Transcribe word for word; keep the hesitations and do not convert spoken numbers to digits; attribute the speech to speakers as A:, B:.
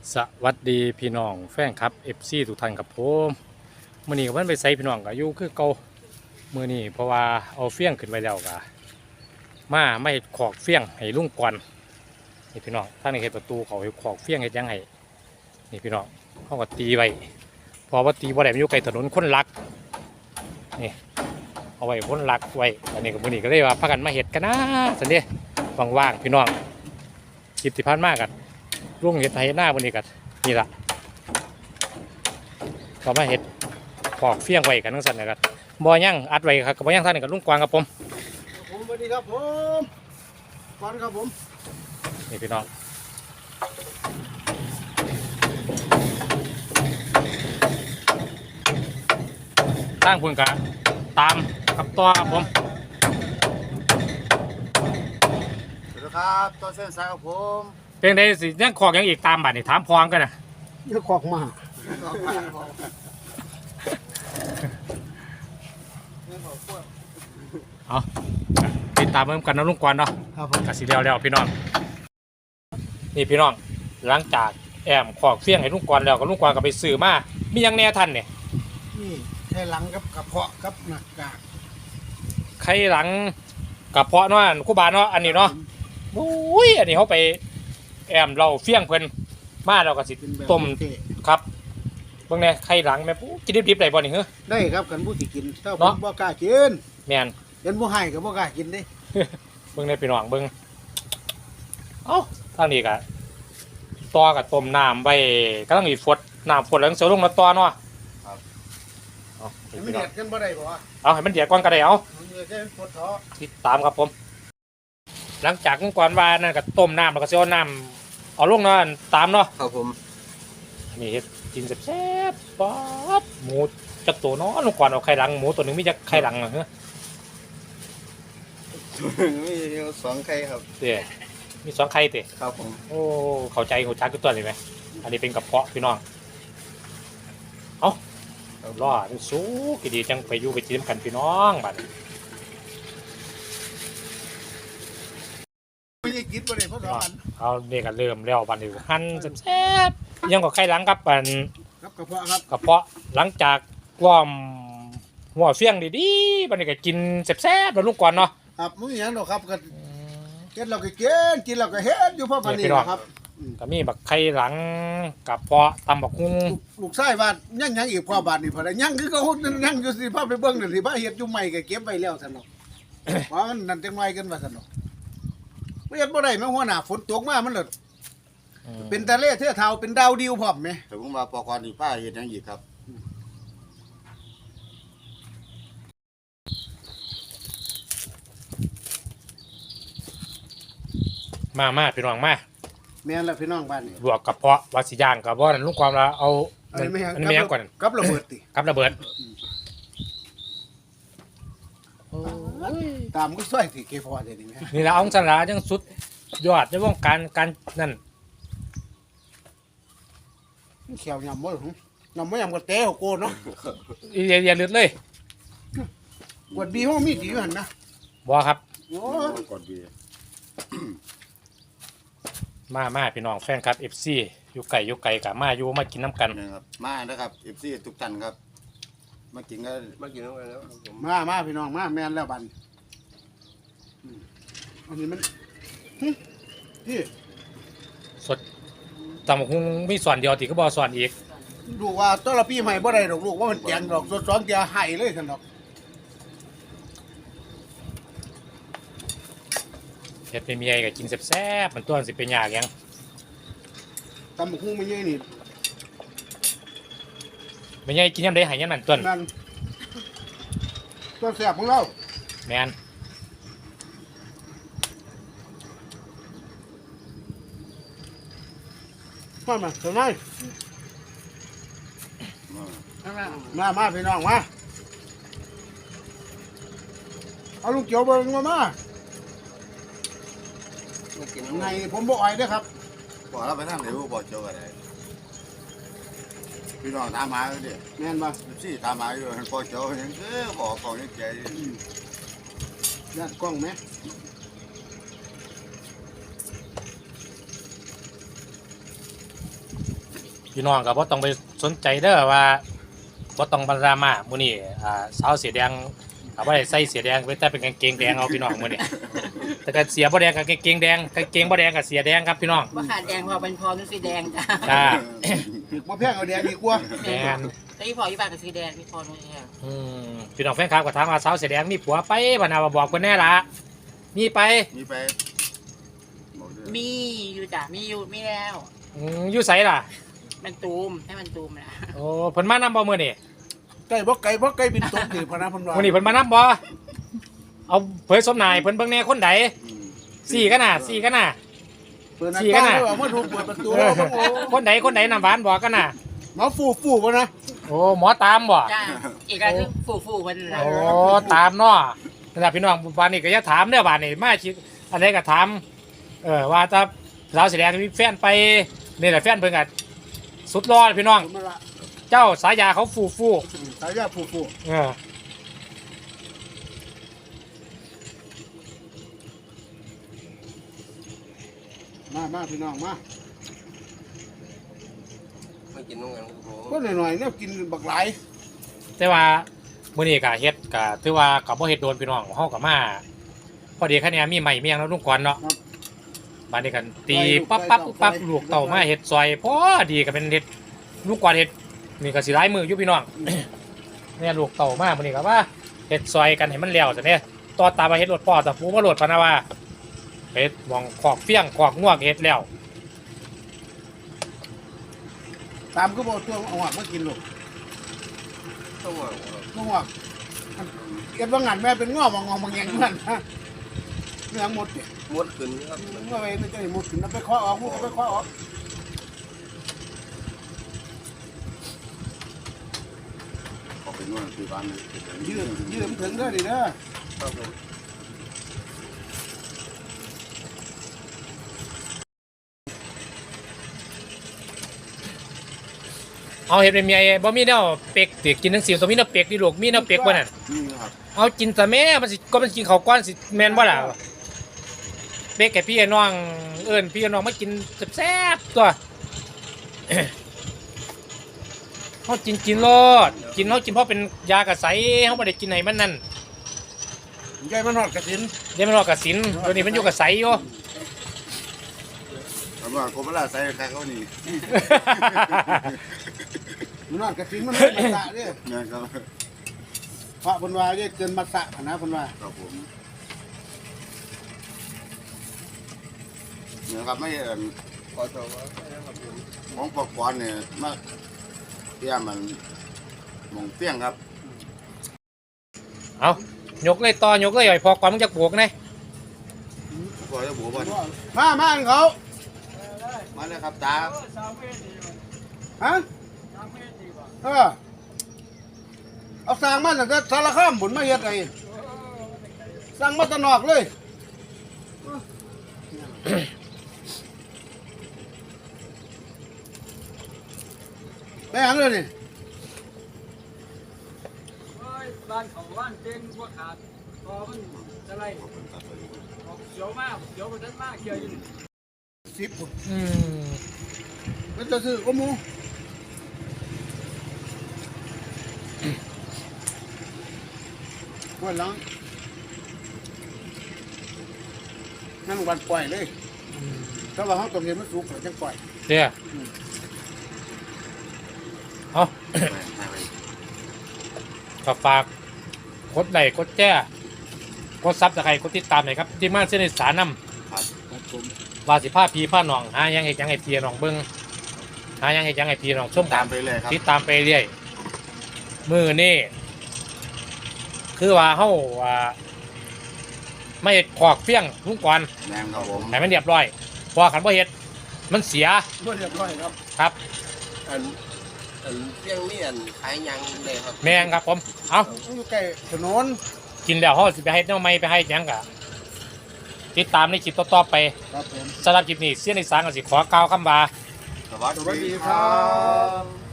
A: สวัสดีพี่น้องแฟนครับ เอฟ ซี ทุกท่านครับผมมื่อนี้ก็มันไปใส่พี่น้องก็อยู่คือเก่ามื่อนี้เพราะว่าเอาเฟี้ยงขึ้นไปแล้วก็มาไม่ขอกเฟี้ยงให้ลุงก่อนนี่พี่น้องท่านในเห็นประตูเขาให้ขอกเฟี้ยงให้ยังไงนี่พี่น้องเขาก็ตีไว้พอว่าตีว่าได้มันอยู่ไกลถนนคนรักนี่เอาไว้คนรักไว้อันนี้ก็มื่อนี้ก็เลยว่าพากันมาเห็ดกันนะสันเดีว่างๆพี่น้องคลิปที่ผ่านมากันลุงเห็ดไทยหน้ามื่อนี้กันนี่ละก็มาเห็ดขอกเฟี้ยงไว้กันทั้งสันนะครับบ่อย่างอัดไว้ครับกับบ่อย่างท่านนี่กับลุงกวางครับผม
B: ผมสวัสดีครับผมฟันครับผม
A: นี่พี่น้องตั้งพุ่นกะตามกับตัวครับผม
B: สวัสดีครับตัวเส้นสายครับผม
A: เพียงใดสิยังขอกยังอีกตามบัดนี่ถามพร้อมกันนะ
B: เยอะขอกมา
A: เอาติดตามเพิ่มกันนะลุงกวางเนาะ
B: ครับผม
A: กสิเดียวแล้วพี่น้องนี่พี่น้องหลังจากแอมขอกเฟี้ยงให้ลุงกวางแล้วก็ลุงกวางก็ไปซื้อมามียังแน่ท่านเนี่ย
B: นี่ไข่หลังกับกระเพาะกับหนักกาก
A: ไข่หลังกระเพาะเนาะคู่บาเนาะอันนี้เนาะโอ้ยอันนี้เขาไปแอมเราเฟี้ยงเพิ่นมาเราก็สิต้มครับเบิ่งแน่ไข่หลังแม่ปุ๊กินดิบๆได้บ่นี่เหรอ
B: ได้ครับกันผู้ที่กินถ้าผมบ่กล้ากิน
A: แม่น
B: เห็นผู้ให้ก็บ่กล้ากินเด้
A: เบิ่งแน่พี่น้องเบิ่งเอ้าทางนี้ก็ต่อกับต้มน้ำไว้กำลังอีฟดน้ำฟดแล้วเสียวลงมาต่อเนาะ
B: ครับ
A: เอา
B: ไม่เดือดกันบ่ได้บ่
A: เอาให้มันเดือดก่อนก็ได้เอาติดตามครับผมหลังจากก่อนว่านั่นก็ต้มน้ำแล้วก็เสียวน้ำเอาลงเนาะตามเนาะ
B: ครับผม
A: นี่เฮ็ดกินแซ่บๆป๊อบหมูจักตัวเนาะลงก่อนเอาไข่หลังหมูตัวนึงมีจักไข่หลังเหรอฮะ
B: มีสองไข่ครับ
A: เด้มีสองไข่เด้
B: ครับผม
A: โอ้เข้าใจหัวจักตัวเลยไหมอันนี้เป็นกระเพาะพี่น้องเอ้ารอดสู้กี่ดีจังไปอยู่ไปจิ้มกันพี่น้องบัด
B: ไม่ได้กินบ่ได้เพราะว่า
A: เอาเนี่ยก็เริ่มแล้วบัดนี้หั่นแซ่บๆยังก็ไข่หลังกับอัน
B: ครับกระเพาะครับ
A: กระเพาะหลังจากว่อมหัวเฟี้ยงดีๆบัดนี้ก็กินแซ่บๆแล้วลุงก่อนเนาะ
B: ครับมื้อหยังดอกครับก็เฮ็ดเราก็กินกินเราก็เฮ็ดอยู่เพราะปานนี้ครับ
A: ก็มีบักไข่หลังกับเพาะตำบักหุ่ง
B: ลูกชายบ้านยังยังอีกพ่อบาทนี่พอได้ยังคือเขายังอยู่สิพาไปเบิ่งนั่นสิพาเฮ็ดอยู่ใหม่ก็เก็บไว้แล้วซั่นเนาะเพราะมันนั่นจังไว้กันว่าซั่นเนาะบ่เฮ็ดบ่ได้แม่หัวหน้าฝนตกมามันเลยเป็นทะเลเทือกเขาเป็นดาวดิวพร้อมแม่
C: แต่ผมว่าปอกรนี่ป้าเฮ็ดหยังอีกครับ
A: มามาพี่น้องมา
B: แม่นแล้วพี่น้องบ้านนี่
A: ลวกกระเพาะวาสิย่างกับบ่นั่นลุงความละเอาอันนี้ไม่ยังก่อน
B: กับระเบิดติ
A: กับระเบิด
B: ตามก็ซอยสิเกพอได้นี่แม่
A: นี่ละองศาจังสุดยอดในวงการการนั่น
B: เขียวยำบ่หรอยำบ่ยำก็เตะโกนเนาะ
A: อย่าอย่าเลือดเลย
B: กดบีห้องมีดีอยู่หั่นนะ
A: บ่ครับ
B: โอ้
C: กดบี
A: มามาพี่น้องแฟนครับ เอฟ ซี อยู่ไก่อยู่ไก่กับมาอยู่มากินน้ำกัน
C: นะครับมานะครับ เอฟ ซี ทุกท่านครับมากินก็มากินน้ำกันแล้ว
B: มามาพี่น้องมาแม่นแล้วบัดอันนี้มันนี่
A: สดตำบักหุ่งมีส่วนเดียวติก็บ่ส่วนอีก
B: ลูกว่าต้นละปีใหม่บ่ได้ดอกลูกว่ามันแจงดอกสดสองเดียวให้เลยซั่นดอก
A: เฮ็ดเป็นเมียก็กินแซ่บๆมันตัวสิเป็นยากยัง
B: ตำบักหุ่งไม่ใหญ่นี่
A: ไม่ใหญ่กินยามใดให้ยามนั้นต้น
B: นั่นต้นแซ่บของเรา
A: แม่น
B: มามาเท่าไหร่มามาพี่น้องมาเอาลูกเกี่ยวเบิ่งมามาไงผมบอกไอ้ด้วยครับ
C: บอกเราไปทางไหนบอกเจ้าอะไรพี่น้องตามมาเลยดิ
B: แม่นบ่
C: ซี่ตามมาอยู่พอเจ้าอย่างเออบอกกองยังใจ
B: ยัดกล้องไหม
A: มพี่น้องก็บ่ต้องไปสนใจเด้อว่าบ่ต้องบรรดรามามื้อนี้อ่าสาวเสียแดงก็บ่ได้ใส่เสียแดงไปแต่เป็นกางเกงแดงเอาพี่น้องมื้อนี้แต่ก็เสียบ่แดงกับกางเกงแดงกางเกงบ่แดงกับเสียแดงครับพี่น้อง
D: ว่าขาดแดงพอเป็นพอเป็นสีแดงจ้ะ
A: จ้า
B: ถึกมาแพงเอาแดงดีกว่า
A: แดง
D: แต่ที่พออยู่บ้านกับสีแดงพี่พอตรงนี้
A: อืมพี่น้องแฟนคลับก็ถามว่าสาวเสียแดงมีผัวไปบ่น่าบอกเพิ่นแน่ล่ะมีไป
C: มีไปบอกด้วย
D: มีอยู่จ้ะมีอยู่มีแล้ว
A: อืมอยู่ไสล่ะ
D: มันตูมให้มันตูมนะ
A: โอ้เพิ่นมานำบ่มื้อนี้
B: ไก่บ่ไก่บ่ไก่บินตกนี่พะนะเพิ่นว่า
A: มื้อนี้เพิ่นมานำบ่เอาเผยสมนายเพิ่นเบิ่งแน่คนใด
C: อืม
A: สี่กันน่ะสี่กันน่ะ
B: เปิดหน้า
A: สี่กั
B: ต่าน ง
A: น่ะ
B: แล้วเอามาถูกเปิดประตู
A: เออ
B: โอ้
A: คนใดคนใดน้ำหวานบอกกันน่ะ
B: หมอฟูฟูบ่นะ
A: โอ้หมอตามบ่
D: จ้าอีกอันคือฟูฟูมันนะ
A: โอ้ตามเนาะนั่นล่ะพี่น้องบ้านนี้ก็อย่าถามเด้อบ้านนี้มาคิดอันใดก็ถามเออว่าถ้าสาวแสดงมีแฟนไปนี่แหละแฟนเพิ่นก็สุดรอดพี่น้อง
B: ผมมาละ
A: เจ้าสายาเขาฟูฟู
B: สายยาฟูฟู
A: เออ
B: มามาพี่น้องมา
C: ไม่กินน้องกันครับผม
B: ก็หน่อยๆเนี่ยกินบักหลาย
A: แต่ว่ามื้อนี้ก็เฮ็ดก็ถือว่าก็บ่เฮ็ดโดนพี่น้องเฮาก็มาพอดีคะแนนมีใหม่มีหยังแล้วลุงก่อนเนาะบ้านนี้กันตีปั๊บปั๊บปั๊บลูกเต่ามาเฮ็ดซอยพอดีก็เป็นเฮ็ดลุงก่อนเฮ็ดนี่ก็สิหลายมืออยู่พี่น้อง เนี่ยลูกเต่ามามื้อนี้ก็ว่าเฮ็ดซอยกันให้มันแล้วซะเนี่ยต่อตามมาเฮ็ดรถพ่อตะปูมาโหลดพะนะว่าเฮ็ดหมองขอกเฟี้ยงขอกงวกเฮ็ดแล้ว
B: ตามก็บอกตัวเอาหักมากินลูก
C: ต้องว่า
B: ตัวหักเก็บว่างานแม่เป็นง้อมององบางอย่างนั่นนะเรื่องหมดเนี่ย
C: มดขึ้นครับ
B: เมื่อไงไม่จะหมดถึงนับไปเคาะออกพวกไปเคาะออก
C: ขอเป็นว่าคือบ้านเลย
B: ยืดยืดมันถึงได้ดิเด้อ
C: ครับผม
A: เอาเฮ็ดเป็นเมียบ่มีแนวเป็กติกินจังซี่ต้องมีแนวเป็กดิลูกมีแนวเป็กบ่นั่น
C: นี่ครับ
A: เอากินซะแม่มันสิก็มันกินข้าวก้อนสิแม่นบ่ล่ะเป็กให้พี่ให้น้องเอิ้นพี่ให้น้องมากินแซ่บๆตัว เฮากินกินโลดกินเฮากินเพราะเป็นยากระใสเฮาบ่ได้กินให้มันนั่น
B: ยายมันหอดกระสิน
A: เดี๋ยวมันรอกระสินตัวนี้มันอยู่กระใสอยู่
C: คำว่าโคบลาใส่ใครเขานี่
B: มันหอดกระสินมันไม่มาสะเด้อ
C: นะครับ
B: พระพนวาเด้เกินมาสะนะพนวา
C: ครับผมเนี่ยครับไม่เอ่อขอโทษของปกครองเนี่ยมาเตี้ยมันมองเตี้ยงครับ
A: เอายกเลยต่อยกเลยไอ้พอก่อนมึงจะปลูกนะ
C: พอจะบัวบอล
B: มามาอันเขา
C: มาเลยครับตา
B: ฮะเออเอาสร้างมาตั้งแต่สารคามบุญมาเฮ็ดไงสร้างมาแตะนอกเลยไปหยังเลยนี่
E: บ้านเขาบ้านเจงพวกขาดพอมันอะไรเขียวมากเขียวกว่านั้นมากเขียวอยู่
B: สิบพุ่น
A: อืม
B: มันจะซื้อก็มูวันหลังนั่งวันปล่อยเลยถ้าว่าเขาต้องเห็นมันสุกเราจะปล่อย
A: เดี๋ยวเอา ก็ฝากกดไลค์กดแจ้กดซับตะไคร้กดติดตามหน่อยครับที่มาเส้นสารน
C: ครับ
B: ครับผม
A: ำว่าสิผ้าพีผ้าหนองหายังเห็ดยังไงพีหนองเบิ้งหายังเห็ดยังไงพีหนองส้ม
C: ตา
A: ตาม ม
C: ไปเลยครับ
A: ติดตามไปเรื่อยมือนี่คือว่าเฮาว่าไม่เห็ดขอกเฟี้ยงลุงก่อน
C: แนมครับผม
A: ให้มันเรียบร้อยเพอขันบ่เห็ดมันเสีย
B: เมื่อเรียบร้อยครับ
A: ครับ
F: อันอันเพียงนี่อันขายยังเลยครับ
A: แมงครับผมเอา
B: อยู่ใกล้ถนน
A: กินแล้วเฮาสิไปให้แนวใหม่ไปให้หยังกะติดตามในคลิปต่อๆไป
B: ครับผม
A: สำหรับคลิปนี้เสียนอีสานก็สิขอกล่าวคำว่า
C: สวัส
B: สวัส
C: ดี
B: ดี
C: ค
B: ค
C: รั
B: รับ บ